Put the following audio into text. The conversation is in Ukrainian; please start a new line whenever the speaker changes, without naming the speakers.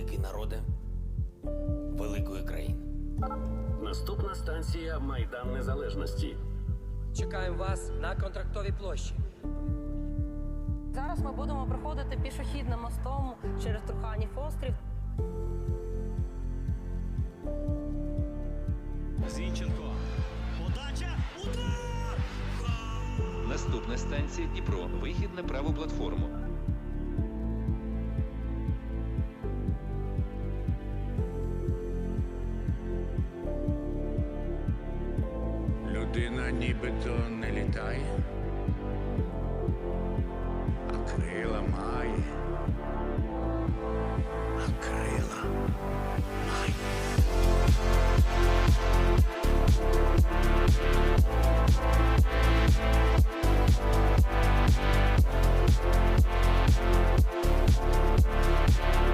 великий народе великої країни.
Наступна станція Майдан Незалежності.
Чекаємо вас на Контрактовій площі.
Зараз ми будемо проходити пішохідним мостом через Труханів острів.
Зінченко. Подача. Удар!
Наступна станція Дніпро. Вихід на праву платформу.
Людина нібито не літає.